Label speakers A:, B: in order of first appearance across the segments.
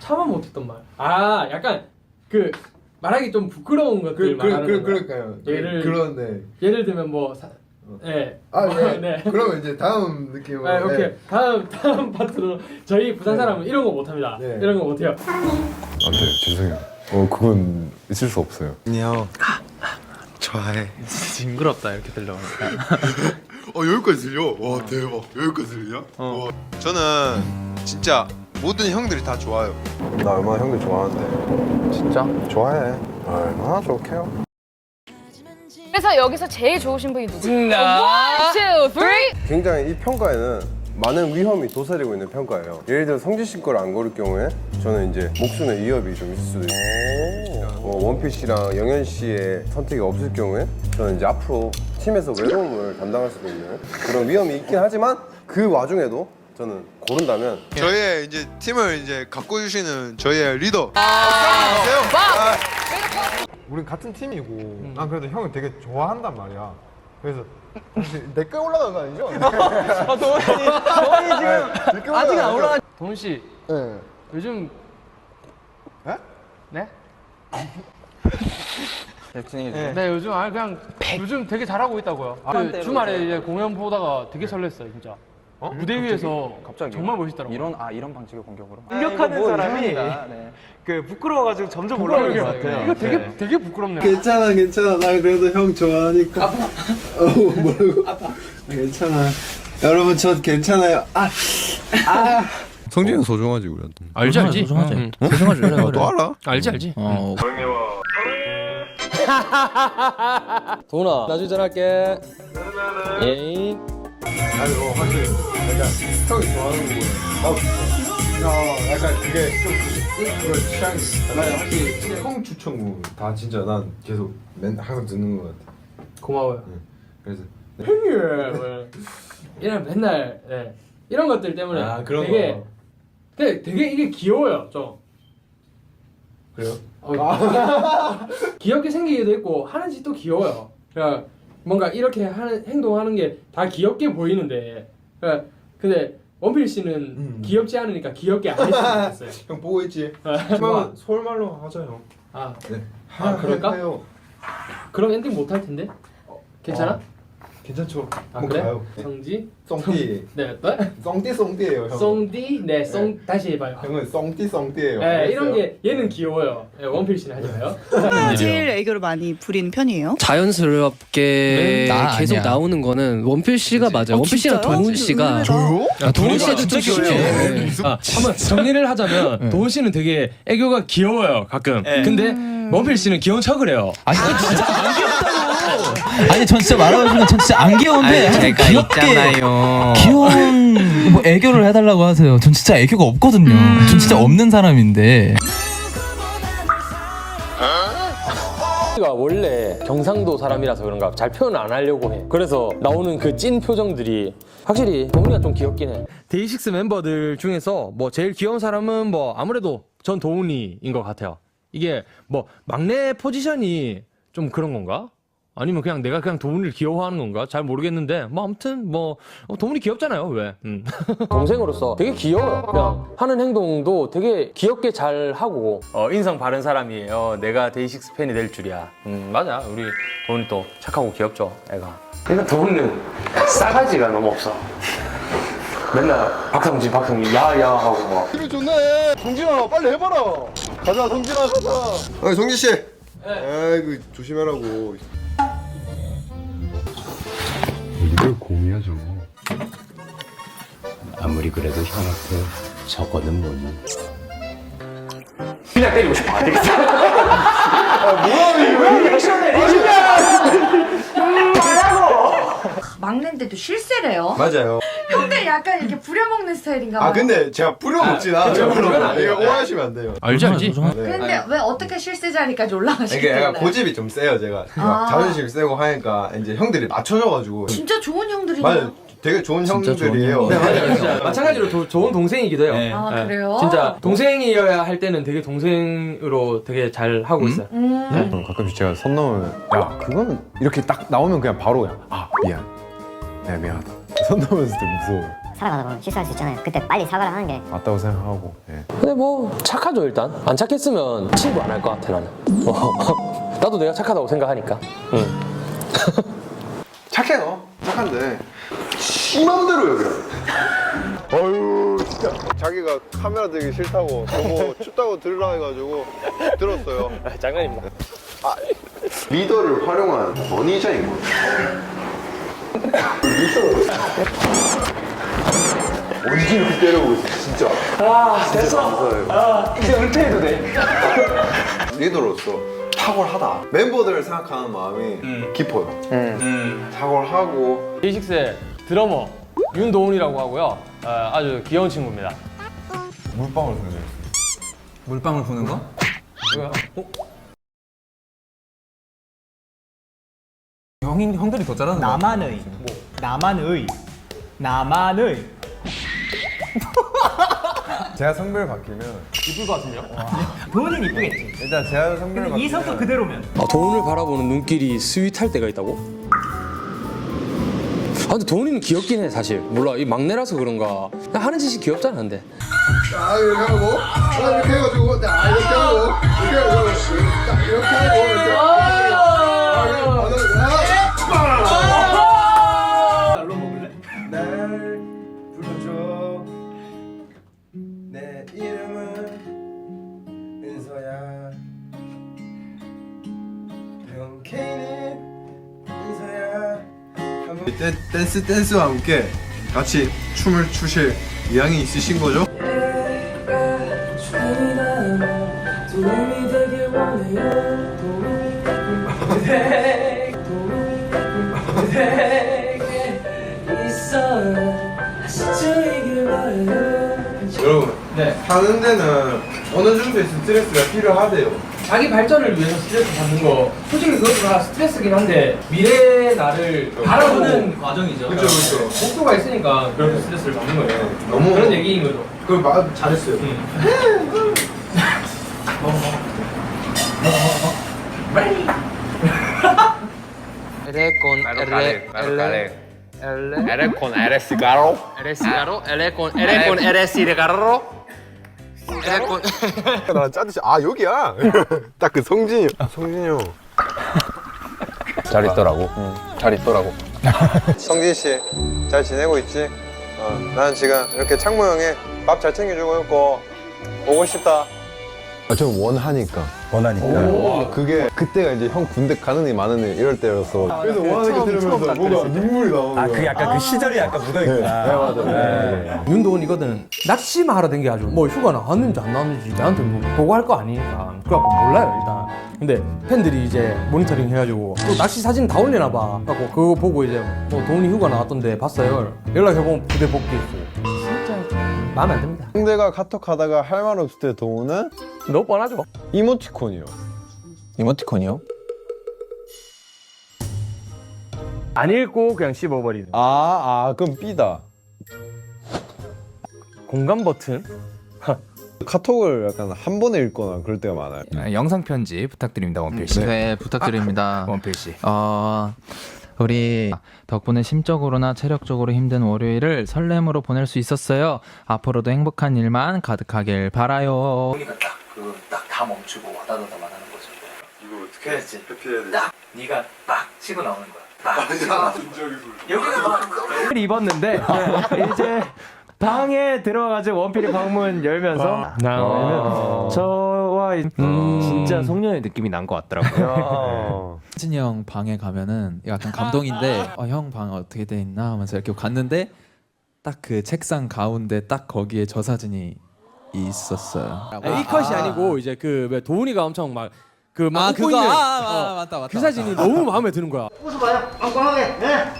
A: 차마 못했던 말. 아 약간 그 말하기 좀 부끄러운 것들 말하는 거.
B: 그럴까요? 그런데
A: 예를 들면 뭐 네.
B: 네. 그러면 이제 다음 느낌으로.
A: 네, 오케이. 다음 파트로 저희 부산 사람은 이런 거 못합니다. 이런 거 못해요.
C: 안돼 죄송해요. 그건 있을 수 없어요.
B: 안녕. 좋아해.
D: 징그럽다 이렇게 들려오니까.
B: 여기까지 들려? 와 대박. 여기까지 들리냐? 저는 진짜 모든 형들이 다 좋아요.
C: 나 얼마나 형들 좋아하는데.
D: 진짜?
C: 좋아해. 얼마나 좋게요.
E: 그래서 여기서 제일 좋으신 분이 누구예요? 1, 2, 3.
C: 굉장히 이 평가에는 많은 위험이 도사리고 있는 평가예요. 예를 들어 성진 씨 거를 안 고를 경우에 저는 이제 목숨의 위협이 좀 있을 수도 있고, 원필 씨랑 영현 씨의 선택이 없을 경우에 저는 이제 앞으로 팀에서 외로움을 담당할 수도 있는 그런 위험이 있긴 하지만 그 와중에도 저는 고른다면
B: 저희의 이제 팀을 이제 가꿔주시는 저희의 리더.
F: 우린 같은 팀이고 난 그래도 형을 되게 좋아한단 말이야. 그래서 내꺼 올라간 거 아니죠?
D: 도훈이 지금 아직 안 올라가. 도훈 씨.
F: 네.
D: 요즘
F: 네?
D: 네?
F: 네.
D: 요즘 그냥 요즘 되게 잘하고 있다고요. 그 주말에 이제 공연 보다가 되게 설렜어요, 진짜. 무대 위에서 갑자기 정말 멋있더라고요.
G: 이런 방식의 공격으로
D: 공격하는 사람이 그 부끄러워가지고 점점 올라오는 것 같아요. 이거 되게 부끄럽네요.
B: 괜찮아. 나 그래도 형 좋아하니까. 뭐라고? 괜찮아. 여러분 저 괜찮아요.
C: 성진이 형 소중하지 우리한테.
D: 알지.
G: 소중하지.
D: 소중하지.
C: 너 알아?
D: 알지.
A: 도훈아 나중에 전화할게. 예이.
B: 아니 확실히 약간 형이 좋아하는 거보다 나도 좋아. 약간 그게 좀 그런 취향이 있어. 나 확실히 형 추천곡 다 진짜 난 계속 항상 듣는 것 같아.
A: 고마워요.
B: 그래서
A: 형님 이런 맨날 이런 것들 때문에
B: 그런
A: 되게
B: 거.
A: 되게 이게 귀여워요 좀.
B: 그래요?
A: 귀엽게 생기기도 했고 하는 짓도 귀여워요. 그러니까 뭔가 이렇게 하는 행동하는 게 다 귀엽게 보이는데 그러니까 근데 원필 씨는 귀엽지 않으니까 귀엽게 안 했으면 좋겠어요.
B: 형 보고 있지?
A: 좋아.
B: 서울말로 하자 형.
A: 네. 그럴까?
B: 해요.
A: 그럼 엔딩 못 할 텐데. 괜찮아?
B: 괜찮죠?
A: 그래?
B: 가요.
A: 성지?
B: 썽띠.
A: 네, 또?
B: 썽띠예요 형.
A: 썽디? 네, 다시 해봐요.
B: 형은 썽띠예요.
A: 네, 이런 게 얘는 귀여워요. 네, 원필 씨는 하지 마요.
H: 제일 애교를 많이 부리는 편이에요?
G: 자연스럽게 계속
D: 아니야.
G: 나오는 거는 원필 씨가 맞아요. 원필 씨랑
H: 진짜요?
G: 도훈 씨가
H: 저요?
G: 도훈 씨도 좀 귀여워요.
A: 한번 정리를 하자면 도훈 씨는 되게 애교가 귀여워요 가끔. 근데 원필 씨는 귀여운 척을 해요.
I: 아니 전 진짜 말하면 전 진짜 안 귀여운데
G: 제가
I: 귀엽게
G: 있잖아요.
I: 귀여운 뭐 애교를 해달라고 하세요. 전 진짜 애교가 없거든요. 전 진짜 없는 사람인데.
A: 가 원래 경상도 사람이라서 그런가 잘 표현 안 하려고 해. 그래서 나오는 그 찐 표정들이 확실히 도훈이가 좀 귀엽긴 해. 데이식스 멤버들 중에서 뭐 제일 귀여운 사람은 뭐 아무래도 전 도훈이인 것 같아요. 이게 뭐 막내 포지션이 좀 그런 건가? 아니면 그냥 내가 그냥 도훈이를 귀여워하는 건가? 잘 모르겠는데 뭐 아무튼 뭐 도훈이 귀엽잖아요. 왜? 동생으로서 되게 귀여워요. 그냥 하는 행동도 되게 귀엽게 잘 하고 인성 바른 사람이에요. 내가 데이식스 팬이 될 줄이야. 맞아. 우리 도훈이 또 착하고 귀엽죠. 애가. 그러니까 도훈이는 싸가지가 너무 없어. 맨날 박성진 야야 하고 막.
B: 이거 좋네. 성진아 빨리 해봐라. 가자 성진아 가자. 성진 씨. 아이고 조심하라고.
C: 이걸 공이야죠.
G: 아무리 그래도 형한테 저거는 뭐니?
A: 그냥 때리고 싶어. 안 되겠어.
H: 막내인데도 실세래요?
B: 맞아요.
H: 형들 약간 이렇게 부려먹는 스타일인가 봐요.
B: 근데 제가 뿌려먹진 않아요. 이거 오해하시면 안 돼요.
D: 알지.
H: 근데 왜 어떻게 실세 자리까지 올라가시게
B: 이게 약간
H: 됐나요?
B: 고집이 좀 세요 제가. 막 자존심 세고 하니까 이제 형들이 맞춰줘가지고.
H: 진짜 좋은 형들이네요.
B: 맞아요. 되게 좋은 형들이에요.
A: 네, 맞아요. 진짜 마찬가지로 좋은 동생이기도 해요.
H: 아 그래요?
A: 진짜 동생이어야 할 때는 되게 동생으로 되게 잘 하고 있어요.
C: 가끔씩 제가 선 넘으면 야 그건 이렇게 딱 나오면 그냥 바로 그냥 미안. 내가 미안하다. 선 넘으면서 좀 무서워요.
J: 살아가다 보면 실수할 수 있잖아요. 그때 빨리 사과를 하는 게
B: 맞다고 생각하고. 예.
A: 근데 뭐 착하죠 일단. 안 착했으면 친구 안 할 것 같아 나는. 나도 내가 착하다고 생각하니까. 응.
C: 착해요. 착한데 심한대로 여기라. 어휴 진짜 자기가 카메라 들기 싫다고 저거 춥다고 들으라 해가지고 들었어요.
A: 장난입니다.
C: 리더를 활용한 머니저인 거. 언제 이렇게 때려보고 있어 진짜. 됐어. 이제 은퇴해도 돼. 리더로서 탁월하다. 멤버들을 생각하는 마음이 깊어요. 탁월하고.
D: 데이식스의 드러머 윤도훈이라고 하고요. 아주 귀여운 친구입니다.
B: 물방울 생겼어요.
I: 물방울 부는 거?
D: 뭐야?
I: 형들이 더 잘하는 거.
F: 나만의 제가 성별 바뀌면
D: 이쁠 것 같은데요?
F: 도훈이는 이쁘겠지. 일단 제가 성별 바뀌면 이 성격 그대로면
A: 도훈을 바라보는 눈길이 스윗할 때가 있다고? 근데 도훈이는 귀엽긴 해 사실. 몰라 이 막내라서 그런가. 그냥 하는 짓이 귀엽잖아 근데.
C: 아 이렇게 하고 이렇게 해가지고 이렇게 하고 이렇게 하고 이렇게
F: 날로 먹을래?
C: 날 불러줘. 내 이름은 은서야. 병케이는 은서야. 댄스와 함께 같이 춤을 추실 의향이 있으신 거죠? 여러분, 사는 데는 어느 정도의 스트레스가 필요하대요.
D: 자기 발전을 위해서 스트레스 받는 거 솔직히 그것도 다 스트레스긴 한데 미래의 나를 바라보는 과정이죠.
C: 그렇죠.
D: 목표가 있으니까 그렇게 스트레스를 받는 거예요.
C: 너무
D: 그런 얘기인 거죠.
C: 그걸 말 잘했어요. 나 짜듯이 여기야. 딱 그 성진이 형.
B: 잘 있더라고.
C: 잘 있더라고. 성진 씨, 잘 지내고 있지? 나는 지금 이렇게 창모 형이 밥 잘 챙겨주고 있고 보고 싶다.
B: 좀 원하니까. 그게 그때가 이제 형 군대 가는 애 마는 애 이럴 때였어.
C: 그래서 원하는 게 들으면서 뭔가 눈물이 나오는 거야.
F: 그 약간 그 시절이 약간 묻어있구나.
B: 네, 맞아.
A: 윤도훈이거든. 낚시만 하러 댕겨가지고 뭐 휴가 나왔는지 안 나왔는지 나한테 뭐 보고할 거 아니니까 그래갖고 몰라요 일단. 근데 팬들이 이제 모니터링 해가지고 또 낚시 사진 다 올리나 봐. 그래갖고 그거 보고 이제 뭐 도훈이 휴가 나왔던데 봤어요. 연락해보면 부대 복귀했고. 진짜 마음에 안 듭니다.
B: 상대가 카톡 하다가 할 말 없을 때 도우는
A: 너무 뻔하죠.
B: 이모티콘이요.
I: 이모티콘이요?
A: 안 읽고 그냥 씹어버리는.
B: 그럼 B다.
A: 공감 버튼.
B: 카톡을 약간 한 번에 읽거나 그럴 때가 많아요.
I: 영상 편지 부탁드립니다, 원필 씨.
K: 네, 부탁드립니다.
I: 원필 씨.
K: 우리 덕분에 심적으로나 체력적으로 힘든 월요일을 설렘으로 보낼 수 있었어요. 앞으로도 행복한 일만 가득하길 바라요.
I: 딱 다 멈추고 와다다다 말하는 거죠.
C: 이거 어떻게 했지?
I: 딱 네가 빡 치고 나오는 거야. 빡 치고 여기는 막
D: 입었는데 이제 방에 들어가가지고 원필이 방문 열면서 저와 진짜 송년회 느낌이 난 것 같더라고요.
I: 혜진이 형 방에 가면은 약간 감동인데 형 방 어떻게 돼 있나 하면서 이렇게 갔는데 딱 그 책상 가운데 딱 거기에 저 사진이 있었어요.
A: 이 컷이 아니고 이제 그 왜 도훈이가 엄청 막 그 막 웃고
I: 그거
A: 있는
I: 맞다.
A: 그 사진이 너무 마음에 드는 거야.
H: 웃어봐요. 엉뚱하게.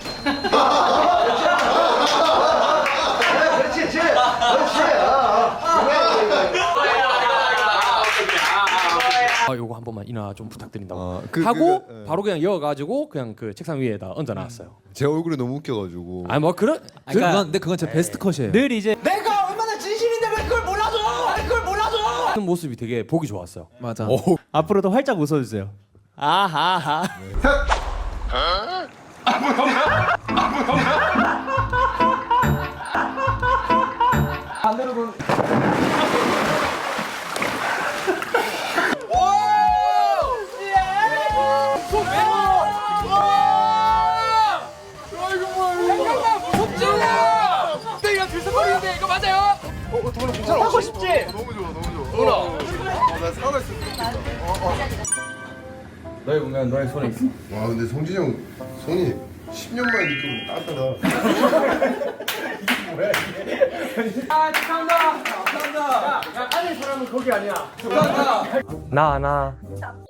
H: 그렇지.
A: 요거 한 번만 인화 좀 부탁드린다고
C: 예.
A: 하고 바로 그냥 이어가지고 그냥 그 책상 위에다 얹어놨어요.
C: 제 얼굴이 너무 웃겨가지고.
A: 아니 뭐 그런
I: 그건 제 베스트 컷이에요.
D: 늘 이제
H: 내가 얼마나 진심인데 왜 그걸 몰라줘? 그걸 몰라줘?
A: 그런 모습이 되게 보기 좋았어요.
I: 맞아.
D: 앞으로도 활짝 웃어주세요. 아하하.
H: 하고 싶지?
B: 너무 좋아 너무 좋아. 나 사과 있을 때.
A: 너의 운명은 너의 손에 있어.
C: 와 근데 성진이 형 손이 10년 만에 느껴보면 따뜻하다.
A: 나